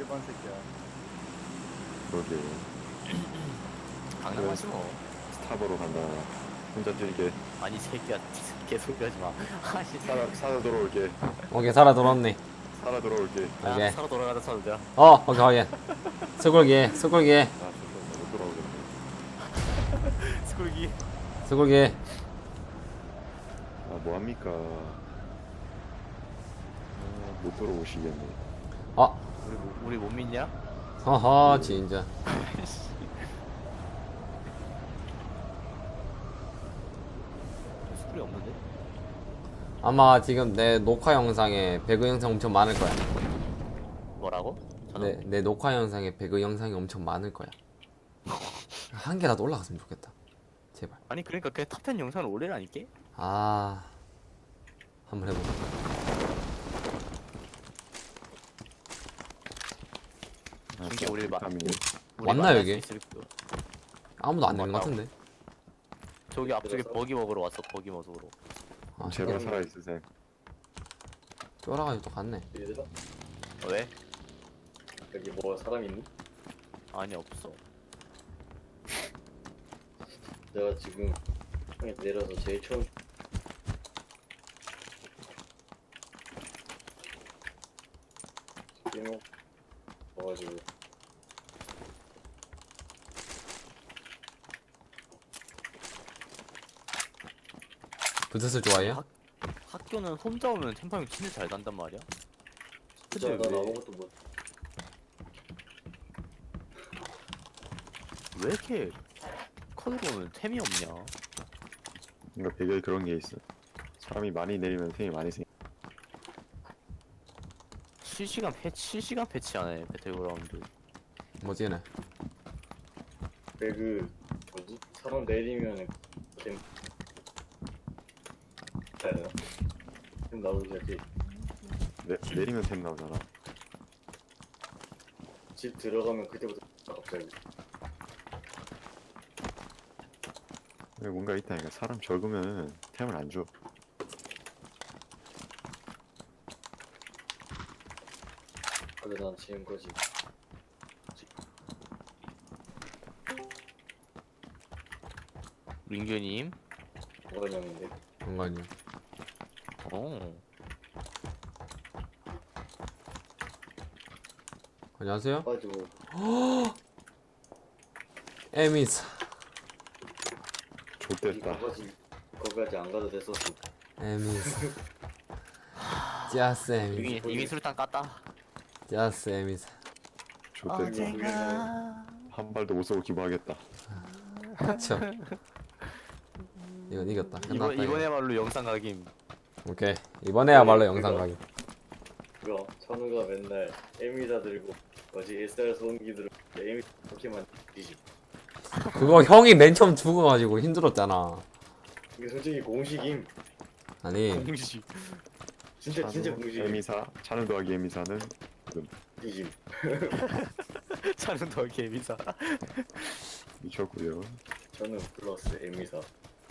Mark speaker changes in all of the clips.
Speaker 1: 일반 새끼야.
Speaker 2: 그러게.
Speaker 3: 강남하지 뭐.
Speaker 2: 스타버로 간다. 혼자 뛰게.
Speaker 3: 아니 새끼야 개소리 하지 마. 아니
Speaker 2: 살아 돌아올게.
Speaker 4: 오케이 살아 돌아왔네.
Speaker 2: 살아 돌아올게.
Speaker 4: 오케이.
Speaker 3: 야, 서로 돌아가자 서로자.
Speaker 4: 오케이 확인. 스골기
Speaker 2: 아 진짜 못 돌아오겠네.
Speaker 3: 스쿨기.
Speaker 4: 스골기.
Speaker 2: 아 뭐합니까? 못 돌아오시겠네.
Speaker 4: 아
Speaker 3: 우리 못 믿냐?
Speaker 4: 허허 진짜.
Speaker 3: 스쿨이 없는데?
Speaker 4: 아마 지금 내 녹화 영상에 배그 영상 엄청 많을 거야.
Speaker 3: 뭐라고?
Speaker 4: 내 녹화 영상에 배그 영상이 엄청 많을 거야. 한 개라도 올라갔으면 좋겠다. 제발.
Speaker 3: 아니 그러니까 그 탑10 영상을 올리라니까?
Speaker 4: 아 한번 해보자.
Speaker 3: 이게 우리
Speaker 2: 비타민이.
Speaker 4: 왔나요, 이게?
Speaker 3: 있을 거.
Speaker 4: 아무도 안 되는 것
Speaker 3: 맞다고.
Speaker 4: 같은데.
Speaker 3: 저기 앞쪽에 버기 먹으러 왔어. 버기 먹으러.
Speaker 4: 아
Speaker 2: 제발
Speaker 4: 제발.
Speaker 2: 살아 있으세요.
Speaker 4: 쫄아가지고 또 갔네.
Speaker 5: 얘들아,
Speaker 3: 왜?
Speaker 5: 여기 뭐 사람 있니?
Speaker 3: 아니 없어.
Speaker 5: 내가 지금 형이 내려서 제일 처음 게임 와가지고
Speaker 4: 부스스 좋아해요?
Speaker 3: 학교는 혼자 오면 템파밍 진짜 잘 간단 말이야.
Speaker 5: 진짜
Speaker 3: 근데
Speaker 5: 난
Speaker 3: 왜,
Speaker 5: 아무것도 못
Speaker 3: 왜 이렇게 컷으로 오면 템이 없냐?
Speaker 2: 그러니까 배경에 그런 게 있어. 사람이 많이 내리면 템이 많이 생.
Speaker 3: 실시간 패치하네 배틀그라운드.
Speaker 4: 뭐지 얘네?
Speaker 5: 배그 뭐지? 사람 내리면은 템 해야 되나? 템 나오기 전에
Speaker 2: 내리면 템 나오잖아.
Speaker 5: 집 들어가면 그때부터 갑자기
Speaker 2: 근데 뭔가 있다니까. 사람 적으면 템을 안 줘.
Speaker 5: 그래 난 지금까지
Speaker 3: 민규님.
Speaker 5: 오관영인데
Speaker 4: 정관이요.
Speaker 3: 어.
Speaker 4: 안녕하세요.
Speaker 5: 빠지고
Speaker 4: 에미스.
Speaker 2: 좆됐다.
Speaker 5: 거기까지 안 가도 됐었어.
Speaker 4: 에미스. 짜스 에미스.
Speaker 3: 이미 술탄 깠다.
Speaker 4: 짜스 에미스.
Speaker 2: 좆됐다. 한 발도 못 쏘고 기부하겠다.
Speaker 4: 그쵸. 이건 이겼다. 끝났다. 이거.
Speaker 3: 이번에말로 영상 각임.
Speaker 4: 오케이. 이번에야말로 영상 가기.
Speaker 5: 그거 천우가 맨날 에미사 들고 뭐지 SR 소음기 들고 에미 포켓만 뒤지.
Speaker 4: 그거 형이 맨 처음 죽어가지고 힘들었잖아.
Speaker 5: 이게 솔직히 공식임.
Speaker 4: 아니
Speaker 3: 공식.
Speaker 5: 진짜 공식임.
Speaker 2: 에미사 차는 더하기 에미사는
Speaker 5: 뒤짐.
Speaker 3: 차는 더 개비싸.
Speaker 2: 미쳤고요.
Speaker 5: 저는 플러스 에미사.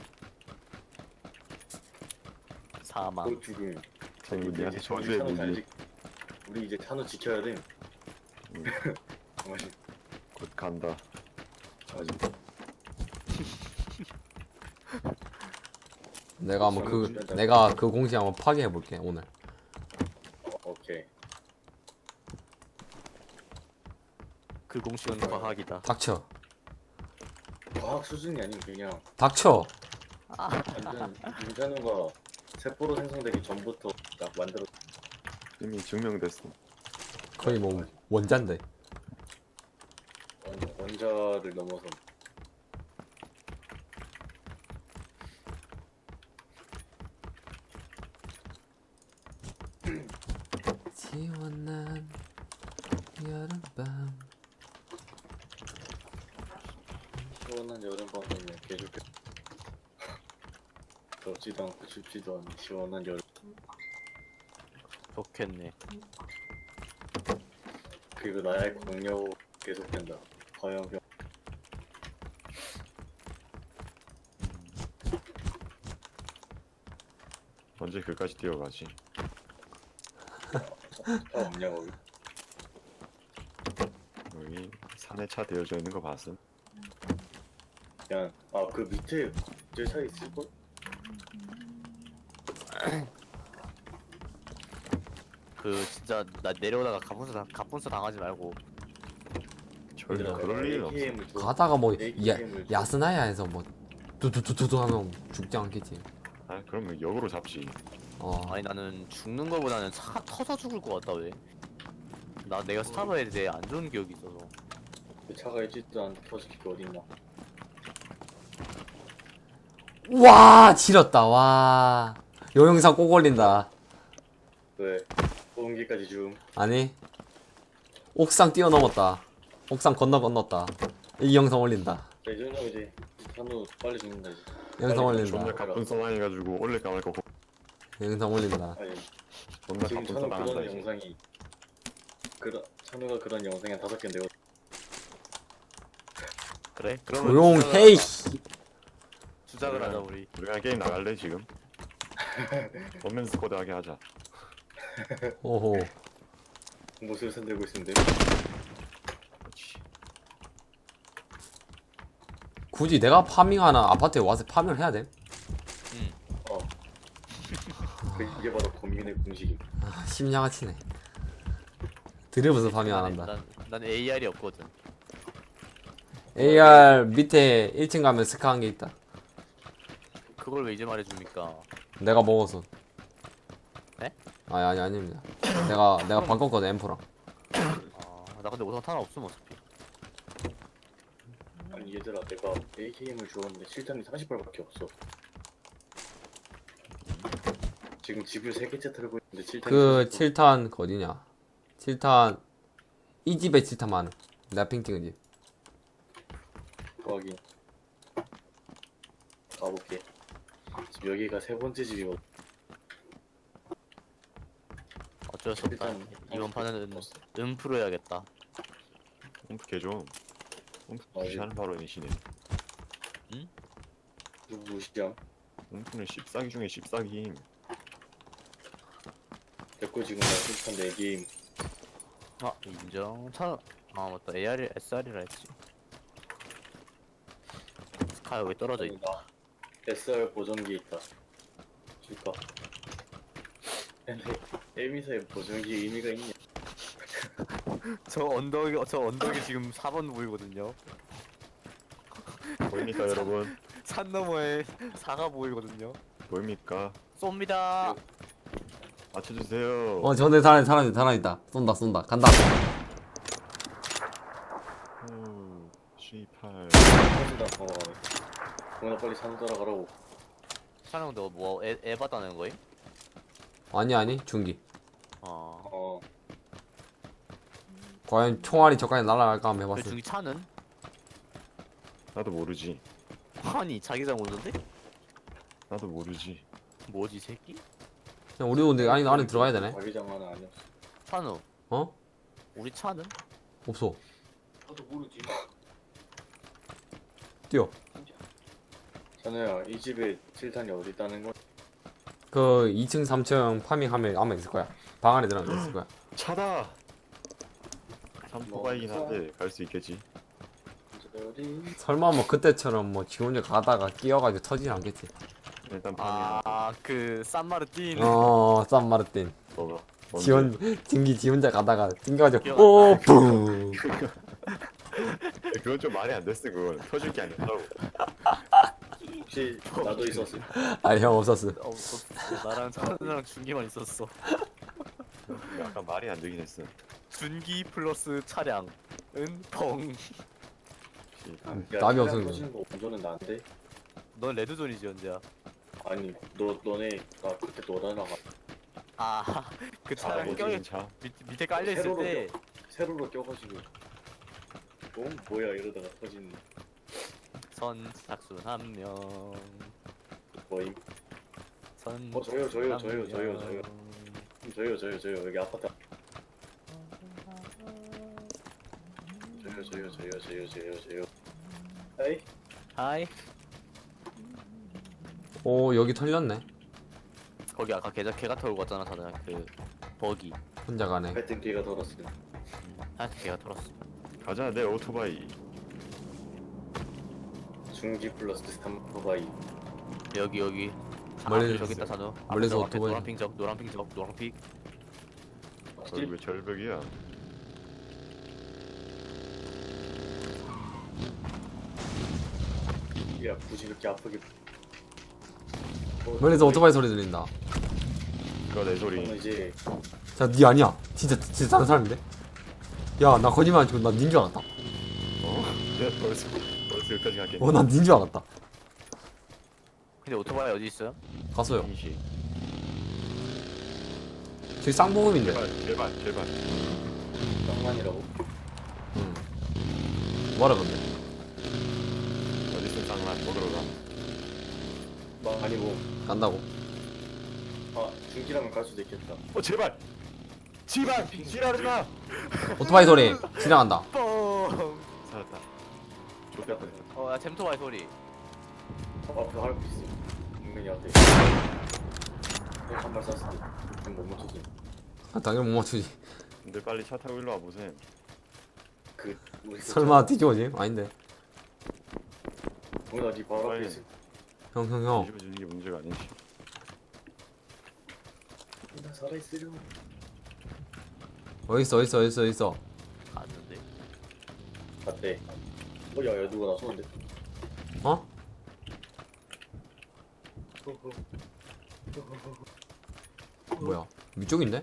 Speaker 3: 사망.
Speaker 5: 또 죽음.
Speaker 2: 저는 니한테
Speaker 5: 이제
Speaker 2: 저주의
Speaker 5: 찬우
Speaker 2: 무기.
Speaker 5: 우리 이제 찬우 지켜야 돼.
Speaker 2: 응.
Speaker 5: 정말
Speaker 2: 곧 간다.
Speaker 5: 아주
Speaker 4: 내가 그 공식 한번 파괴해 볼게 오늘.
Speaker 5: 오케이.
Speaker 3: 그 공식은 과학이다.
Speaker 4: 닥쳐.
Speaker 5: 과학 수준이 아닌 그냥
Speaker 4: 닥쳐.
Speaker 5: 완전 윤찬우가 세포로 생성되기 전부터 딱 만들어.
Speaker 2: 이미 증명됐어.
Speaker 4: 거의 뭐 원자인데.
Speaker 5: 원자를 넘어서
Speaker 4: 시원한 여름밤.
Speaker 5: 시원한 여름밤이면 개좋겠. 덥지도 않고 춥지도 않은 시원한 여름.
Speaker 3: 좋겠네.
Speaker 5: 그리고 나의 공력 계속된다. 화염병.
Speaker 2: 언제 그까지 뛰어가지?
Speaker 5: 다 없냐 거기?
Speaker 2: 산에 차 되어져 있는 거 봤음?
Speaker 5: 그냥 그 밑에 제 차에 있을걸?
Speaker 3: 그 진짜 나 내려오다가 갑분수 당하지 말고.
Speaker 2: 절대 그럴 일은 없어.
Speaker 5: AKM을 줘.
Speaker 4: 가다가 뭐
Speaker 5: AKM을 줘.
Speaker 4: 야스나야에서 뭐 두두두두두 하면 죽지 않겠지.
Speaker 2: 아 그러면 역으로 잡지.
Speaker 3: 아니 나는 죽는 거보다는 차가 터져 죽을 것 같다 왜? 내가 스타바에 대해 안 좋은 기억이 있어서.
Speaker 5: 그 차가 있지도 않는데 터질 게 어딨나.
Speaker 4: 와 지렸다. 와. 요 영상 꼭 올린다.
Speaker 5: 왜? 소음기까지 줌.
Speaker 4: 아니 옥상 뛰어넘었다. 옥상 건넜다. 이 영상 올린다.
Speaker 5: 자, 이 정도면 이제 산후 빨리 죽는다 이제.
Speaker 4: 영상
Speaker 5: 빨리
Speaker 4: 올린다.
Speaker 2: 존나 가쁜 써나해가지고 올릴까 말까
Speaker 4: 영상 올린다.
Speaker 5: 아니
Speaker 2: 존나
Speaker 5: 지금
Speaker 2: 가쁜
Speaker 5: 찬우
Speaker 2: 써나한다
Speaker 5: 그런
Speaker 2: 이제.
Speaker 5: 영상이 찬우가 그런 영상이 한 5개인데
Speaker 3: 그래?
Speaker 4: 조용해.
Speaker 3: 주작을 하자 우리.
Speaker 2: 우리가 게임 나갈래 지금? 원맨 스쿼드 하게 하자.
Speaker 4: 오호.
Speaker 5: 모습을 손들고 있는데
Speaker 2: 그렇지.
Speaker 4: 굳이 내가 파밍하는 아파트에 와서 파밍을 해야 돼?
Speaker 5: 이게 바로 고민의 공식임.
Speaker 4: 아, 심양아치네. 드리블서 파밍 안 한다.
Speaker 3: 난 AR이 없거든.
Speaker 4: AR 밑에 1층 가면 스카 한 개 있다.
Speaker 3: 그걸 왜 이제 말해줍니까?
Speaker 4: 내가 먹어서.
Speaker 3: 네?
Speaker 4: 아니 아닙니다. 내가 바꿨거든 엠프랑.
Speaker 3: 나 근데 우선 하나 없으면 어차피.
Speaker 5: 아니 얘들아 내가 AKM을 주었는데 실탄이 30발밖에 없어. 지금 집을 3개째 털고 있는데 실탄이
Speaker 4: 그
Speaker 5: 30발.
Speaker 4: 7탄 그 어디냐? 7탄 이 집에 7탄 많아. 내가 핑 찍은 집.
Speaker 5: 거기 가볼게. 지금 여기가 3번째 집이거든.
Speaker 3: 어쩔 수 없다.
Speaker 5: 일단
Speaker 3: 이번 판은 음프로 해야겠다.
Speaker 2: 옴프 개좀. 옴프
Speaker 5: 아,
Speaker 2: 무시하는 발언이시네.
Speaker 5: 누구 무시함?
Speaker 2: 옴프는 씹사기 중에 씹사기임.
Speaker 5: 됐고 지금 나 실탄 4개임.
Speaker 3: 인정. 맞다. AR, SR이라 했지. 스카 여기 떨어져 있다.
Speaker 5: SR 보정기 있다. 줄까? 근데 에미사의 보정기 의미가 있냐?
Speaker 3: 저 언덕이 지금 4번 보이거든요.
Speaker 2: 보입니까 여러분?
Speaker 3: 산 너머에 4가 보이거든요.
Speaker 2: 보입니까?
Speaker 3: 쏩니다.
Speaker 2: 맞춰주세요.
Speaker 4: 전에 살아있다. 쏜다. 간다.
Speaker 2: 18.
Speaker 5: 터진다 방어가네. 동현아 빨리 산 따라가라고.
Speaker 3: 촬영 너 뭐 애 받아낸 거임?
Speaker 4: 아니 중기.
Speaker 5: 어
Speaker 4: 과연 총알이 저까지 날아갈까 한번
Speaker 3: 그
Speaker 4: 해봤어.
Speaker 3: 중기 차는?
Speaker 2: 나도 모르지.
Speaker 3: 아니 자기장 오는데?
Speaker 2: 나도 모르지.
Speaker 3: 뭐지 이 새끼?
Speaker 4: 그냥 우리도 근데 안에 들어가야 되네.
Speaker 5: 자기장 하나 아니었어.
Speaker 3: 찬우
Speaker 4: 어?
Speaker 3: 우리 차는?
Speaker 4: 없어.
Speaker 5: 나도 모르지.
Speaker 4: 뛰어.
Speaker 5: 찬우야 이 집에 실탄이 어디 있다는 거?
Speaker 4: 그 2층 3층 파밍하면 아마 있을 거야. 방 안에 들어가면 있을 거야.
Speaker 2: 차다. 삼포가이긴 한데 갈 수 있겠지.
Speaker 5: 어디?
Speaker 4: 설마 뭐 그때처럼 뭐 지 혼자 가다가 끼어가지고 터지진 않겠지.
Speaker 2: 일단 파밍.
Speaker 3: 그 산마르틴.
Speaker 4: 산마르틴.
Speaker 2: 뭐가?
Speaker 4: 지 혼자 가다가 튕겨가지고
Speaker 3: 기억 안
Speaker 4: 오 뿡.
Speaker 2: 그건 좀 말이 안 됐어. 그건 터질 게 아니더라고.
Speaker 5: 혹시 나도 있었어?
Speaker 4: 아니 형 없었어.
Speaker 3: 없었어. 나랑 찬우랑 준기만 있었어.
Speaker 2: 약간 말이 안 되긴 했어.
Speaker 3: 준기 플러스 차량은 펑.
Speaker 4: 답이 없어.
Speaker 5: 터지는 거 운전은 나인데?
Speaker 3: 넌 레드존이지 언제야?
Speaker 5: 아니 너네 나 그때 너랑
Speaker 3: 그 차량
Speaker 2: 뭐지
Speaker 3: 껴
Speaker 2: 진짜?
Speaker 3: 밑에 깔려 있을
Speaker 5: 세로로
Speaker 3: 때
Speaker 5: 세로로 껴가지고 뭐야 이러다가 터지는
Speaker 3: 선착순 한 명.
Speaker 5: 뭐임?
Speaker 3: 선.
Speaker 5: 저요 여기 아파트 저요 에이
Speaker 3: 하이.
Speaker 4: 오 여기 털렸네.
Speaker 3: 거기 아까 개가 털고 왔잖아 다들 그 버기.
Speaker 4: 혼자 가네.
Speaker 5: 하여튼 걔가 덜었어.
Speaker 3: 하여튼 개가 털었어.
Speaker 2: 가자 내 오토바이.
Speaker 5: 중기 플러스 3바이.
Speaker 3: 여기.
Speaker 4: 멀리-
Speaker 3: 저기 있다 산호.
Speaker 4: 멀리서
Speaker 3: 앞에
Speaker 4: 오토바이.
Speaker 3: 노란핑.
Speaker 2: 거기 왜 절벽이야?
Speaker 5: 야 굳이 그렇게 아프게.
Speaker 4: 멀리서 오토바이 소리 들린다.
Speaker 2: 그거 내 소리.
Speaker 5: 저는 이제
Speaker 4: 자, 니 아니야. 진짜 다른 사람인데? 야, 나 거짓말 안 치고 난 닌 줄 알았다.
Speaker 2: 내가 벌써 여기까지 갈게.
Speaker 4: 난 닌 줄 알았다.
Speaker 3: 근데 오토바이 어디 있어요?
Speaker 4: 갔어요.
Speaker 2: 인식.
Speaker 4: 저기 쌍보급인데.
Speaker 2: 제발.
Speaker 5: 쌍만이라고.
Speaker 4: 응. 뭐라 근데?
Speaker 2: 어디서 장난 먹으러 가.
Speaker 5: 막 아니고.
Speaker 4: 간다고.
Speaker 5: 아 중기라면 갈 수도 있겠다.
Speaker 2: 제발. 지랄하지 마.
Speaker 4: 오토바이 소리 지나간다.
Speaker 3: 뻥.
Speaker 2: 살았다.
Speaker 5: 좋겠다.
Speaker 3: 야 잼토바이 소리.
Speaker 5: 앞에 할거 있어. 분명히한테. 한발 쐈을 때. 지금 못 맞추지.
Speaker 4: 아, 당연히 못 맞추지.
Speaker 2: 근데 빨리 차 타고 일로 와 보세요.
Speaker 5: 그 우리
Speaker 4: 설마 뒤집어지? 아닌데.
Speaker 5: 뭐나 네 바로 앞에
Speaker 2: 빨리.
Speaker 5: 있어.
Speaker 4: 형.
Speaker 2: 뒤집어지는 게 문제가 아니지.
Speaker 5: 나 살아있으려.
Speaker 4: 어딨어.
Speaker 3: 갔는데.
Speaker 5: 맞대. 야야 누가 나 쏘는데.
Speaker 4: 어? 뭐야? 위쪽인데?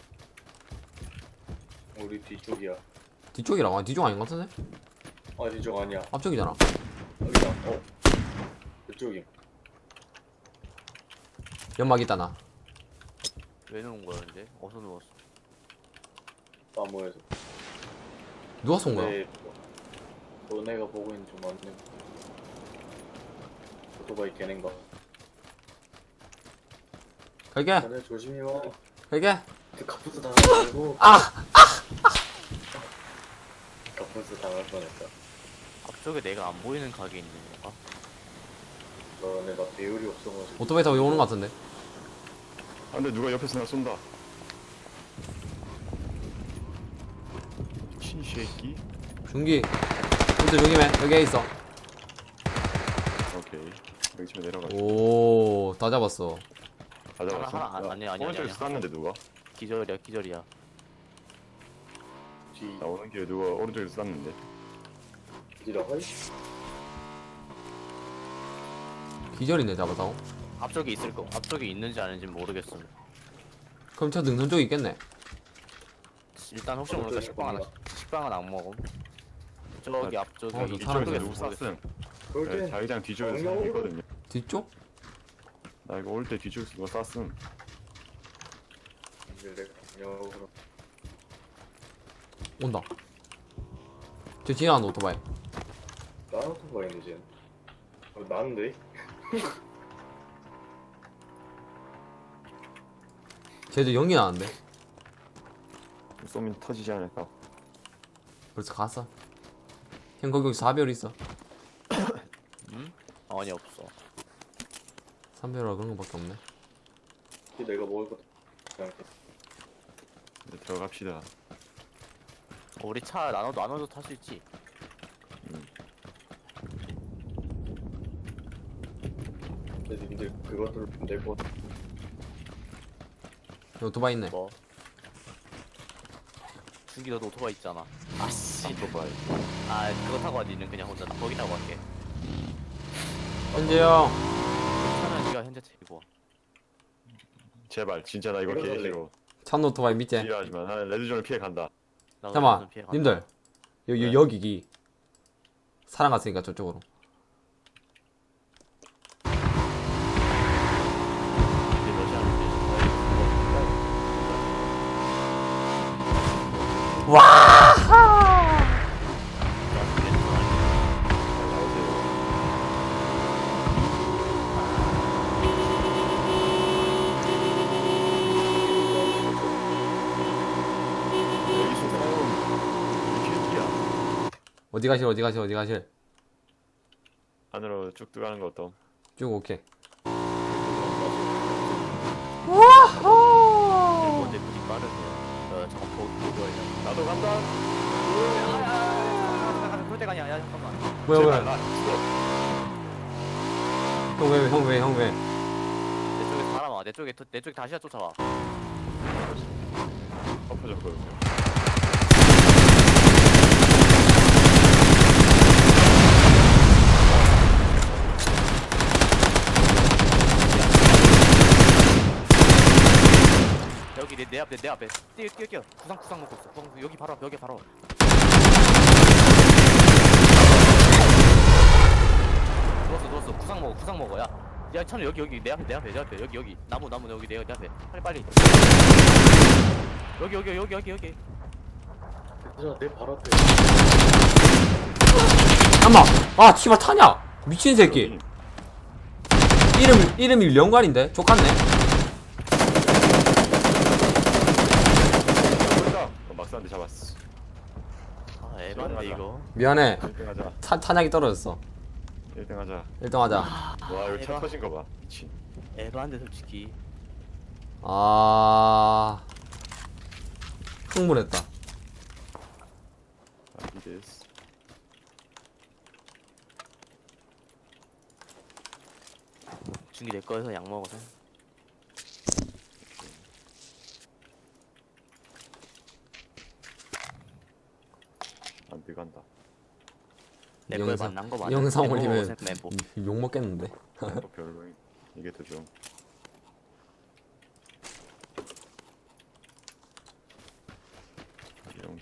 Speaker 5: 우리 뒤쪽이야.
Speaker 4: 뒤쪽이라고? 뒤쪽 아닌 것 같은데?
Speaker 5: 아 뒤쪽 아니야.
Speaker 4: 앞쪽이잖아.
Speaker 5: 여기다. 이쪽이.
Speaker 4: 연막 있다 나.
Speaker 3: 왜 누운 거야 근데? 어디서 누웠어?
Speaker 5: 나무에서.
Speaker 4: 누가 쏜 거야?
Speaker 5: 네. 너네가 보고 있는 좀 맞네. 오토바이 걔넨가.
Speaker 4: 갈게.
Speaker 5: 너네 조심히 와.
Speaker 4: 갈게.
Speaker 5: 그 카푸스 당하지 말고. 카푸스 당할 뻔했다.
Speaker 3: 앞쪽에 내가 안 보이는 가게 있는 건가?
Speaker 5: 너네 나 배율이 없어가지고.
Speaker 4: 오토바이 타고 오는 것 같은데?
Speaker 2: 아 근데 누가 옆에서 나 쏜다. 미친 새끼.
Speaker 4: 중기. 근데 조심해. 여기에 있어.
Speaker 2: 오케이. 여기 집에 내려가.
Speaker 4: 오, 다 잡았어.
Speaker 2: 다 잡았어?
Speaker 3: 하나, 아니야.
Speaker 2: 오른쪽에서 쐈는데 누가?
Speaker 3: 기절이야.
Speaker 5: 뒤.
Speaker 2: 나 오는 길에 누가 오른쪽에서 쐈는데.
Speaker 5: 뒤라 하이.
Speaker 4: 기절이네, 잡았다고?
Speaker 3: 앞쪽에 있을 거. 앞쪽에 있는지 아닌지 모르겠어.
Speaker 4: 그럼 저 능선 쪽에 있겠네.
Speaker 3: 일단 혹시 모르니까 식빵은 안 먹음. 저기 앞쪽에
Speaker 4: 저 사람
Speaker 2: 뒤쪽에서
Speaker 3: 이쪽에
Speaker 2: 누구 쐈음?
Speaker 5: 그럴
Speaker 2: 네,
Speaker 5: 땐
Speaker 2: 자기장 뒤쪽에서
Speaker 5: 정면
Speaker 2: 사람 있거든요.
Speaker 4: 뒤쪽?
Speaker 2: 나 이거 올 때 뒤쪽에서 누가 쐈음.
Speaker 5: 이제 내가 영역으로.
Speaker 4: 온다. 저 지나간다, 오토바이.
Speaker 5: 나는 오토바이네 쟤. 나는데?
Speaker 4: 쟤도 연기 나는데?
Speaker 2: 쏘면 터지지 않을까?
Speaker 4: 벌써 갔어. 형, 거기 4배율 있어.
Speaker 3: 아니 없어.
Speaker 4: 3배율이라 그런 거밖에 없네.
Speaker 5: 이게 내가 먹을 것도 그냥
Speaker 2: 이제 들어갑시다.
Speaker 3: 우리 차 나눠서 탈 수 있지.
Speaker 5: 근데 님들 그것들을 내고
Speaker 4: 여기 오토바이 있네.
Speaker 3: 뭐? 준기 너도 오토바이 있잖아. 아씨.
Speaker 2: 오토바이.
Speaker 3: 아 그거 타고 와. 니는 그냥 혼자 거기 타고 갈게.
Speaker 4: 현재 형.
Speaker 3: 차는 니가 현재 채고 와.
Speaker 2: 제발 진짜 나 이거
Speaker 5: 이거
Speaker 2: 개
Speaker 5: 살래.
Speaker 2: 싫어.
Speaker 4: 찬 오토바이 밑에.
Speaker 2: 싫어하지만 나는 레드존을 피해 간다.
Speaker 3: 나도
Speaker 4: 잠깐만,
Speaker 3: 무슨 피해가
Speaker 4: 님들.
Speaker 2: 네.
Speaker 4: 여기. 사람 갔으니까 저쪽으로.
Speaker 3: 이제 러시아는
Speaker 2: 여기서 싸움. 이 새끼야.
Speaker 4: 어디 가실?
Speaker 2: 안으로 쭉 들어가는 거 어떤?
Speaker 4: 쭉 오케이.
Speaker 3: 일본 대표님 빠르네요. 잠깐 보고 있냐.
Speaker 2: 나도 간다.
Speaker 4: 뭐야
Speaker 2: 제발,
Speaker 4: 뭐야
Speaker 2: 나 죽어.
Speaker 4: 형 왜?
Speaker 3: 내 쪽에 사람 와. 내 쪽에 다시야 쫓아와.
Speaker 2: 엎어졌거든요.
Speaker 3: 여기 내 앞에 뛰어. 구상 먹고 있어. 여기 바로 여기 바로. 누웠어. 구상 먹어. 야 찬우 여기 내 앞에 여기 나무 여기 내 앞에 빨리. 여기.
Speaker 5: 얘들아 내 발 앞에.
Speaker 4: 잠만. 아 씨발 타냐? 미친 새끼. 이름이 영관인데 족같네.
Speaker 2: 보인다. 막사한테 잡았어.
Speaker 3: 아 에반데 이거.
Speaker 4: 미안해.
Speaker 2: 1등 하자.
Speaker 4: 탄약이 떨어졌어.
Speaker 2: 1등 하자.
Speaker 4: 1등 하자.
Speaker 2: 와 이거 차
Speaker 3: 대박.
Speaker 2: 터진 거 봐. 미친.
Speaker 3: 에반데 솔직히.
Speaker 4: 아 흥분했다.
Speaker 2: 이데스.
Speaker 3: 중기 내 거에서 약 먹어서.
Speaker 2: 안 들어간다.
Speaker 3: 내 거에 만난 거 맞아.
Speaker 4: 영상
Speaker 3: 멤버
Speaker 4: 올리면
Speaker 3: 먹어, 멤버.
Speaker 4: 욕 먹겠는데.
Speaker 2: 별로인. 이게 더 좀. 이런.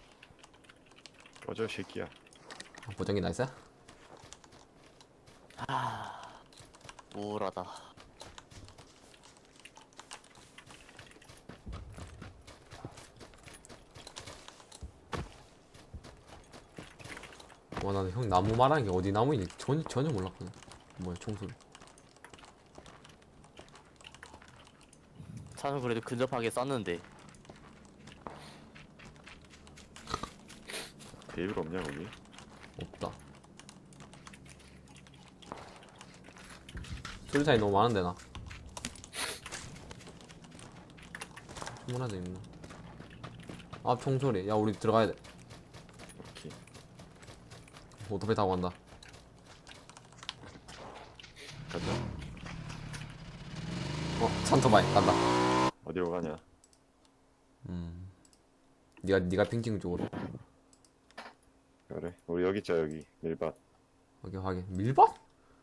Speaker 2: 꺼져 새끼야.
Speaker 4: 보정기 나이스.
Speaker 3: 우울하다.
Speaker 4: 와 나는 형 나무 말하는 게 어디 나무인지 전혀 몰랐거든. 뭐야 총소리.
Speaker 3: 차는 그래도 근접하게 쐈는데.
Speaker 2: 베이블 없냐 거기?
Speaker 4: 없다. 소리 차이 너무 많은데 나. 충분하다 있나? 앞 총소리. 야 우리 들어가야 돼.
Speaker 2: 오케이.
Speaker 4: 오토바이 타고 간다.
Speaker 2: 가자.
Speaker 4: 찬토바이 간다.
Speaker 2: 어디로 가냐?
Speaker 4: 네가 핑칭 쪽으로.
Speaker 2: 그래. 우리 여기 있자 여기. 밀밭.
Speaker 4: 오케이 확인. 밀밭?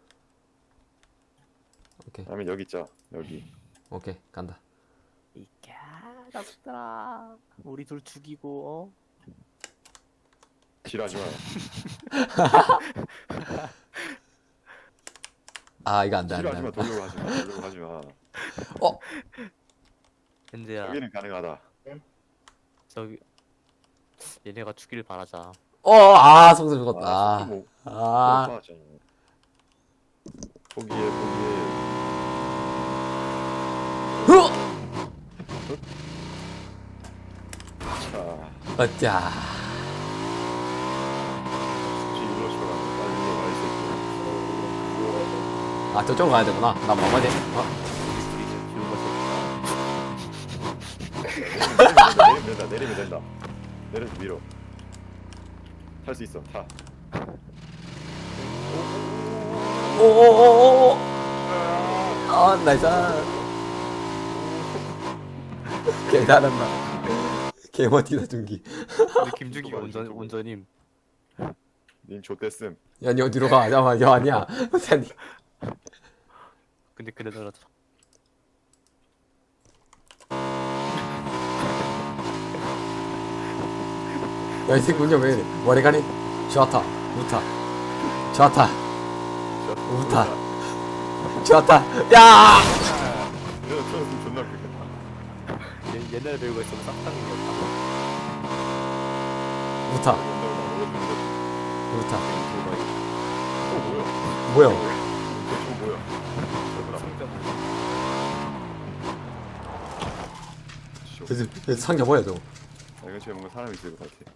Speaker 4: 오케이
Speaker 2: 다음에 여기 있자. 여기.
Speaker 4: 오케이 간다.
Speaker 3: 이게 닥들아. 우리 둘 죽이고.
Speaker 2: 지랄하지 마.
Speaker 4: 아 이거 안돼
Speaker 2: 지랄하지 마.
Speaker 4: 안돼.
Speaker 2: 돌려고 하지 마. 돌려고 하지 마.
Speaker 3: 현재야.
Speaker 2: 여기는 가능하다.
Speaker 3: 저기 얘네가 죽기를 바라자.
Speaker 4: 아 속도 죽었다.
Speaker 2: 아, 뭐,
Speaker 4: 아.
Speaker 2: 뭐 하잖아. 포기해. 자,
Speaker 4: 어짜.
Speaker 2: 굳이 일로 쳐라. 빨리 일로 가, 이 새끼야.
Speaker 4: 아 저쪽으로 가야 되구나. 나 뭐하지?
Speaker 3: 우리 둘이 지금
Speaker 2: 내리면 된다. 내려서 밀어. 탈 수 있어. 타.
Speaker 4: 오오오오. 아 나이스. 개 잘한다. 개 멋지다 중기.
Speaker 3: 근데 김준기가 운전임.
Speaker 2: 닌 좆됐음.
Speaker 4: 야 니 어디로 가? 잠깐만 야 아니야. 아니.
Speaker 3: 근데 그래도
Speaker 4: 야이 새끼 운전 왜 이래? 머리카락 좋다 우타 좋다 우타 좋다 야
Speaker 2: 이거 틀었으면 존나 웃기겠다.
Speaker 3: 옛날에 배우고 있으면 싹당이었다.
Speaker 4: 우타 우타
Speaker 2: 뭐야?
Speaker 4: 뭐야?
Speaker 2: 저거 뭐야?
Speaker 4: 그래서 상자 뭐야 저거?
Speaker 2: 이거 집에 뭔가 사람이 있을 것 같아.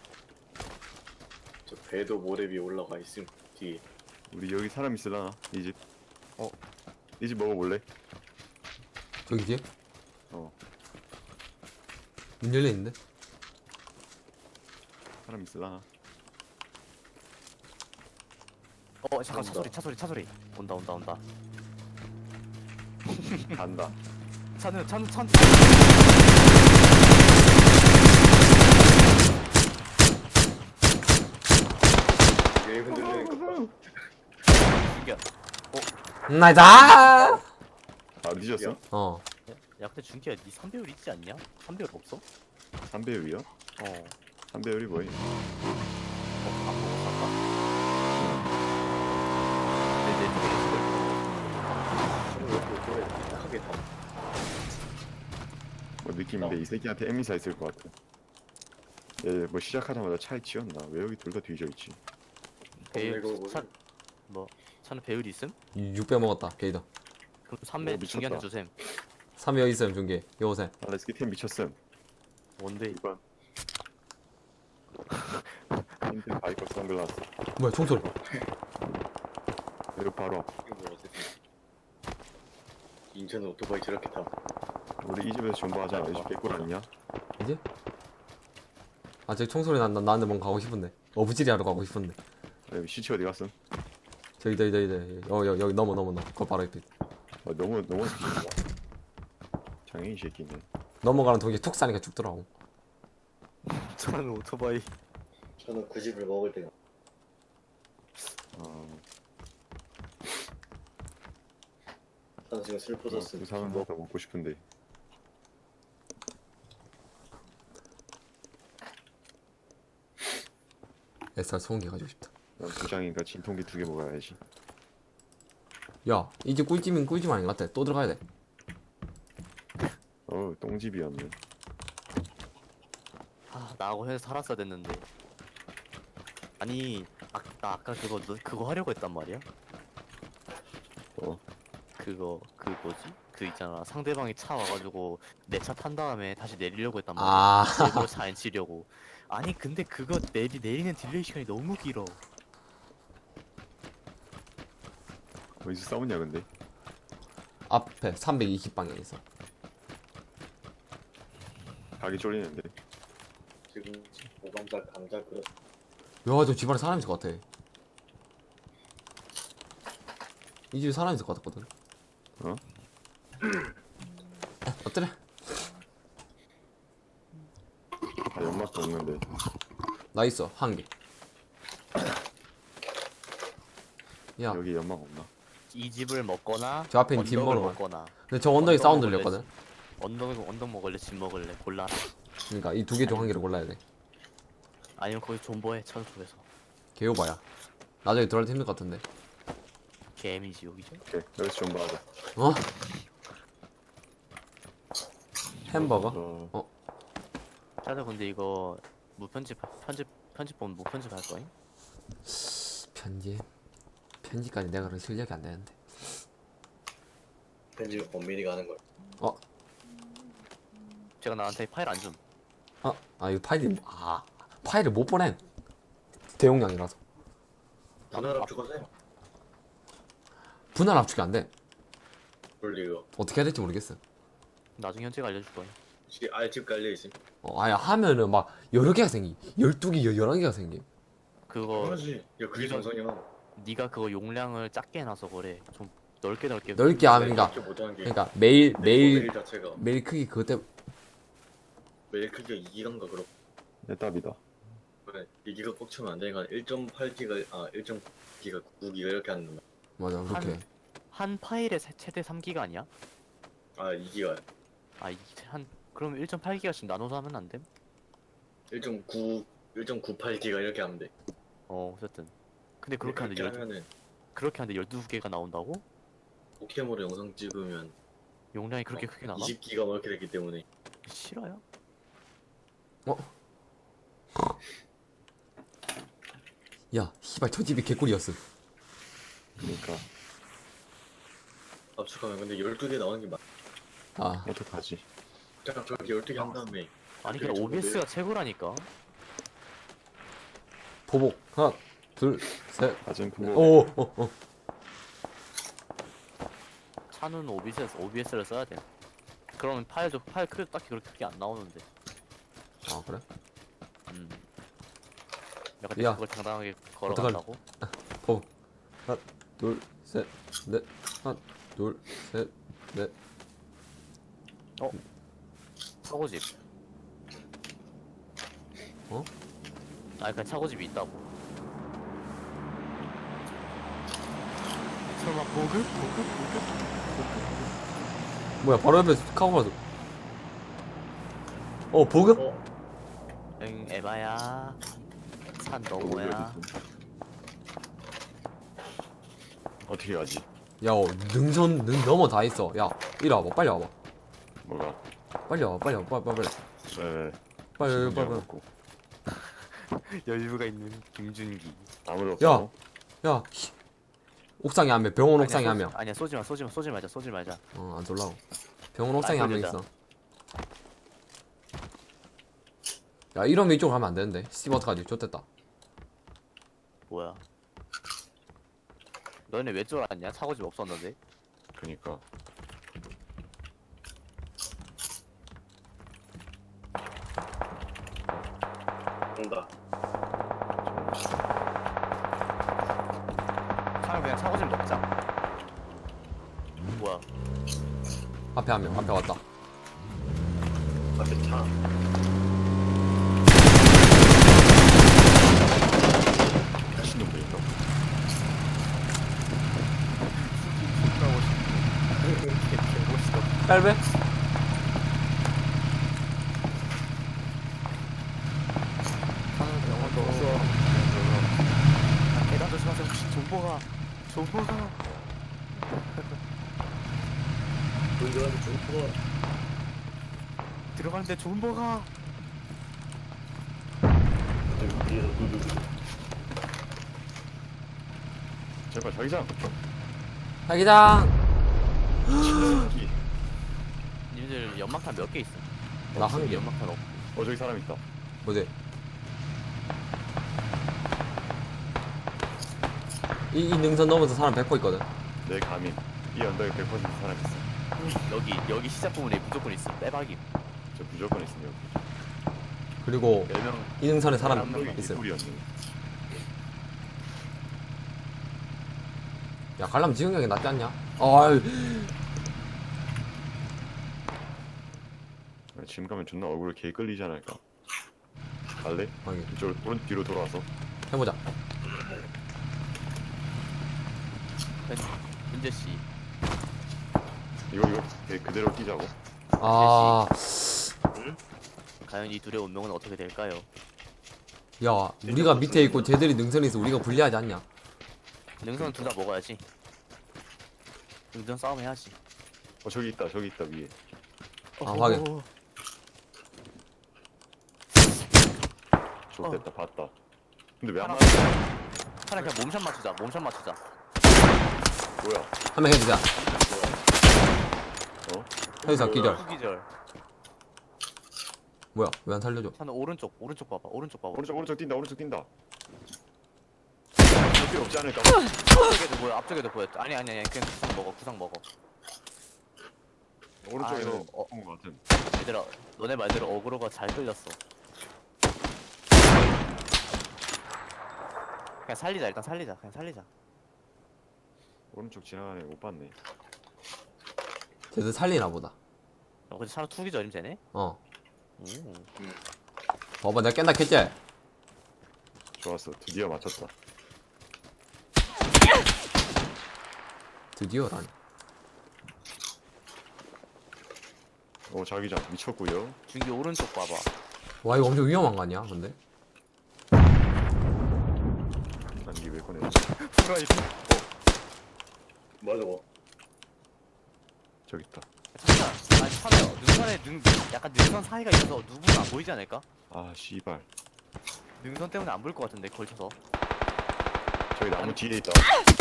Speaker 5: 저 배도 모래 위에 올라가 있음 뒤에.
Speaker 2: 우리 여기 사람 있으려나? 이 집?
Speaker 3: 어.
Speaker 2: 이 집 먹어볼래?
Speaker 4: 저기 뒤에?
Speaker 2: 어.
Speaker 4: 문 열려있는데?
Speaker 2: 사람 있으려나?
Speaker 3: 잠깐 차 소리 온다.
Speaker 2: 간다.
Speaker 3: 차는
Speaker 5: 왜 흔들리는 거?
Speaker 3: 죽여.
Speaker 4: 나이스.
Speaker 2: 아 늦었어?
Speaker 4: 어.
Speaker 3: 야 근데 준기야 니 3배율 있지 않냐? 3배율 없어?
Speaker 2: 3배율이요?
Speaker 3: 어
Speaker 2: 3배율이 뭐임?
Speaker 3: 안 먹었어 아까? 내
Speaker 5: 크게 다.
Speaker 2: 뭐 느낌인데 이 새끼한테 에미사 있을 것 같아. 얘뭐 시작하자마자 차에 치였나? 왜 여기 둘 다 뒤져 있지?
Speaker 3: 배율
Speaker 5: 이거
Speaker 3: 뭐 차는 배율이 있음?
Speaker 4: 6배 먹었다. 게이더.
Speaker 3: 그럼
Speaker 2: 오,
Speaker 3: 3배
Speaker 2: 미쳤다.
Speaker 3: 중기한테 주셈
Speaker 4: 3위 여기 있어요, 중계. 요 오세요.
Speaker 2: 아 레스키템 미쳤음.
Speaker 3: 뭔데?
Speaker 2: 이번 인텔 바이커 선글라스.
Speaker 4: 뭐야, 총소리.
Speaker 2: 여기 바로 앞.
Speaker 5: 이거 뭐 어쨌든 인천 오토바이 저렇게 타.
Speaker 2: 우리 이 집에서 존버하자. 이 집 개꿀 아니냐?
Speaker 4: 이제? 아, 저기 총소리 난다. 나한테 뭔가 가고 싶은데. 어부지리 하러 가고 싶은데.
Speaker 2: 아, 여기 시체 어디 갔음?
Speaker 4: 저기. 여기 넘어. 그거 바로 옆에.
Speaker 2: 아, 너무 장애인 새끼네.
Speaker 4: 넘어가는 동시에 툭 싸니까 죽더라고.
Speaker 3: 차는 오토바이
Speaker 5: 저는 그 집을 먹을 때가
Speaker 2: 아,
Speaker 5: 저는 지금 슬퍼졌어.
Speaker 2: 그 사람 더 먹고 싶은데.
Speaker 4: SR 소음기 가지고 싶다.
Speaker 2: 난 부장이니까 진통기 2개 먹어야지.
Speaker 4: 야, 이제 꿀찜인 꿀찜 아닌 것 같아. 또 들어가야 돼.
Speaker 2: 똥집이었네.
Speaker 3: 나하고 해서 살았어야 됐는데 아니 나 아까 그거 하려고 했단 말이야? 그거 그 뭐지? 그 있잖아 상대방이 차 와가지고 내 차 탄 다음에 다시 내리려고 했단 말이야
Speaker 4: 아,
Speaker 3: 일부러 차 안 치려고 아니 근데 그거 내리는 딜레이 시간이 너무 길어
Speaker 2: 어디서 싸우냐 근데?
Speaker 4: 앞에 320방향 있어.
Speaker 2: 가기 쫄리는데.
Speaker 5: 지금 오감자 감자 그릇.
Speaker 4: 야, 저 집안에 사람 있을 것 같아. 이 집에 사람 있을 것 같거든.
Speaker 2: 어?
Speaker 4: 어때래?
Speaker 2: 아, 연막도 없는데.
Speaker 4: 나 있어, 한 개. 야,
Speaker 2: 여기 연막 없나?
Speaker 3: 이 집을 먹거나
Speaker 4: 저 앞에 있는
Speaker 3: 언덕을
Speaker 4: 뒷모로
Speaker 3: 먹거나
Speaker 4: 근데 저 언덕에 사운드
Speaker 3: 먹을래,
Speaker 4: 들렸거든.
Speaker 3: 언덕 먹을래 집 먹을래 골라라
Speaker 4: 그러니까 이 두 개 중 한 개를 골라야 돼.
Speaker 3: 아니면 거기 존버해 차도 쪽에서
Speaker 4: 개요봐야. 나중에 들어갈 때 힘들 것 같은데.
Speaker 3: 개미지 여기죠?
Speaker 2: 오케이 여기서 존버하자.
Speaker 4: 어? 햄버거?
Speaker 2: 어,
Speaker 3: 차도 근데 이거 편집본 무편집 할 거임?
Speaker 4: 편지까지 내가 그런 실력이 안 되는데.
Speaker 5: 편집 엄밀히가 하는 걸.
Speaker 3: 제가 나한테 파일 안 줌.
Speaker 4: 이거 파일을 못 보내. 대용량이라서.
Speaker 5: 분할 압축하세요.
Speaker 4: 분할 압축이 안 돼.
Speaker 5: 원래 이거
Speaker 4: 어떻게 해야 될지 모르겠어.
Speaker 3: 나중에 현재가 알려줄 거임.
Speaker 5: 알집 깔려 있음.
Speaker 4: 아야 하면은 막 여러 개가 생기. 12개, 11개가 생기.
Speaker 3: 그거
Speaker 5: 당연하지. 야 그게 정상이야.
Speaker 3: 네가 그거 용량을 작게 해놔서 그래. 좀 넓게
Speaker 4: 넓게 하면 그러니까
Speaker 5: 못하는 게
Speaker 4: 그러니까 매일
Speaker 5: 모델 자체가
Speaker 4: 매일 크기 그것 때문에
Speaker 5: 매일 크기가 2기가인가 그렇고
Speaker 2: 내 답이다.
Speaker 5: 그래 2기가 꼭 채우면 안 되니까 1.8기가 1.9기가 9기가 이렇게 하는 거야.
Speaker 4: 맞아 그렇게.
Speaker 3: 한 파일에 최대 3기가 아니야?
Speaker 5: 2기가
Speaker 3: 그럼 1.8기가씩 나눠서 하면 안 됨?
Speaker 5: 1.98기가 이렇게 하면 돼.
Speaker 3: 어쨌든. 근데 그렇게 하는데
Speaker 5: 하면은
Speaker 3: 12개가 나온다고?
Speaker 5: 포켓몬으로 영상 찍으면
Speaker 3: 용량이 그렇게 크게 나가?
Speaker 5: 20기가 뭐 이렇게 되기 때문에
Speaker 3: 싫어요?
Speaker 4: 야 씨발 저 집이 개꿀이었어.
Speaker 2: 그러니까
Speaker 5: 압축하면 근데 12개 나오는 게 맞.
Speaker 2: 어떡하지?
Speaker 5: 잠깐 저렇게 12개 한 다음에
Speaker 3: 아니 그냥 OBS가 최고라니까.
Speaker 4: 보복 하나 둘 셋.
Speaker 2: 낮은 부모.
Speaker 4: 오.
Speaker 3: 차는 OBS를 써야 돼. 그러면 파일 크기 딱히 그렇게 크게 안 나오는데.
Speaker 4: 아 그래?
Speaker 3: 약간
Speaker 4: 야,
Speaker 3: 그걸 당당하게 걸어간다고?
Speaker 4: 하나, 둘, 셋, 넷. 하나, 둘, 셋, 넷.
Speaker 3: 차고집.
Speaker 4: 어?
Speaker 3: 아니 그냥 차고집이 있다고. 설마 보급?
Speaker 4: 뭐야, 바로 옆에 카고라도. 보급?
Speaker 3: 응 에바야. 산 너머야.
Speaker 2: 어떻게 가지?
Speaker 4: 야, 능선, 넘어 다 있어. 야, 이리 와봐, 빨리 와봐.
Speaker 2: 뭐가?
Speaker 4: 빨리 와봐, 빨리 와봐, 빨리.
Speaker 2: 왜?
Speaker 4: 빨리.
Speaker 2: 먹고.
Speaker 3: 여유가 있는 김준기.
Speaker 2: 아무도
Speaker 4: 야.
Speaker 2: 없어.
Speaker 4: 야, 옥상에 한 명, 병원 옥상에 한 명.
Speaker 3: 아니야 쏘지 말자.
Speaker 4: 안 쏠라고. 병원 옥상에 한 명
Speaker 3: 돌리자.
Speaker 4: 있어. 야, 이러면 이쪽으로 가면 안 되는데. 스티브 어떡하지? 좋됐다.
Speaker 3: 뭐야? 너네 왜 쫄았냐? 차고집 없었는데.
Speaker 2: 그니까.
Speaker 5: 온다.
Speaker 3: 차라리 그냥 차고집 먹자. 뭐야?
Speaker 4: 앞에 한 명, 앞에 왔다.
Speaker 5: 앞에 차.
Speaker 2: 미친놈들인가?
Speaker 4: 빨배?
Speaker 3: 영화도 없어. 계단 조심하세요. 혹시 존버가.
Speaker 5: 운전하는 중포.
Speaker 3: 들어가는데 존버가.
Speaker 5: 뒤에서 두두두.
Speaker 2: 제발 자기장.
Speaker 4: 자기장!
Speaker 2: 이.
Speaker 3: 니들 연막탄 몇 개 있어?
Speaker 4: 나 한 개.
Speaker 3: 연막탄 없.
Speaker 2: 저기 사람 있다.
Speaker 4: 뭐지? 이 능선 넘어서 사람 100% 있거든.
Speaker 2: 내 감인. 이 언덕에 100% 사람 있어.
Speaker 3: 여기 시작 부분에 무조건 있어. 빼박이.
Speaker 2: 저 무조건 있으면 여기.
Speaker 4: 그리고
Speaker 3: 10명.
Speaker 4: 이 능선에 사람
Speaker 2: 언덕이
Speaker 4: 있어.
Speaker 2: 개꿀이었네.
Speaker 4: 야, 갈라면 지금 형이 낫지 않냐? 아이,
Speaker 2: 지금 가면 존나 얼굴 개 끌리지 않을까? 갈래?
Speaker 4: 아니,
Speaker 2: 이쪽으로 오른 뒤로 돌아와서.
Speaker 4: 해보자.
Speaker 3: 은재 씨.
Speaker 2: 이거 그대로 뛰자고.
Speaker 4: 아,
Speaker 3: 과연 이 둘의 운명은 어떻게 될까요?
Speaker 4: 야, 우리가 밑에 있고 쟤들이 능선에 있어. 우리가 불리하지 않냐?
Speaker 3: 능선 둘 다 먹어야지. 능선 싸움 해야지.
Speaker 2: 저기 있다 위에.
Speaker 4: 아, 확인.
Speaker 2: 좋됐다 봤다. 근데 왜 안
Speaker 3: 하나,
Speaker 2: 맞아?
Speaker 3: 차라리 그냥 몸샷 맞추자.
Speaker 2: 뭐야?
Speaker 4: 한 명 해주자.
Speaker 2: 어?
Speaker 4: 해주자, 기절.
Speaker 3: 후기절.
Speaker 4: 뭐야, 왜 안 살려줘?
Speaker 3: 차는 오른쪽 봐봐.
Speaker 2: 오른쪽 뛴다. 필요 없지 않을까?
Speaker 3: 앞쪽에도 보여. 아니, 그냥 구상 먹어.
Speaker 2: 오른쪽에는
Speaker 3: 아이고,
Speaker 2: 온 것 같은.
Speaker 3: 얘들아, 너네 말대로 어그로가 잘 끌렸어. 그냥 살리자, 일단 살리자.
Speaker 2: 오른쪽 지나가네 못 봤네.
Speaker 4: 쟤들 살리나 보다.
Speaker 3: 근데 차로 투기절임 쟤네?
Speaker 4: 어.
Speaker 3: 오.
Speaker 4: 봐봐, 내가 깬다 했지?
Speaker 2: 좋았어. 드디어 맞췄다.
Speaker 4: 드디어라니.
Speaker 2: 자기장 미쳤고요.
Speaker 3: 준기 오른쪽 봐봐.
Speaker 4: 와, 이거 엄청 위험한 거 아니야, 근데?
Speaker 2: 난 이게 왜 꺼내?
Speaker 3: 프라이드.
Speaker 5: 뭐야 저거?
Speaker 2: 저기 있다.
Speaker 3: 잠깐. 아니, 차네요. 약간 능선 사이가 있어서 누구는 안 보이지 않을까?
Speaker 2: 아 씨발.
Speaker 3: 능선 때문에 안 보일 것 같은데, 걸쳐서.
Speaker 2: 저기 나무 뒤에 있다.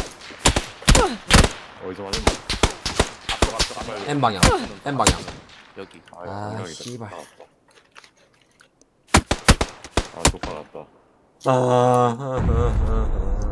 Speaker 2: 어디서 맞았나?
Speaker 3: 앞쪽.
Speaker 4: N방향. N방향.
Speaker 3: 여기.
Speaker 4: 아,
Speaker 2: 생각이다.
Speaker 4: 씨발.
Speaker 2: 나왔다. 아, 또 박았다.
Speaker 4: 아,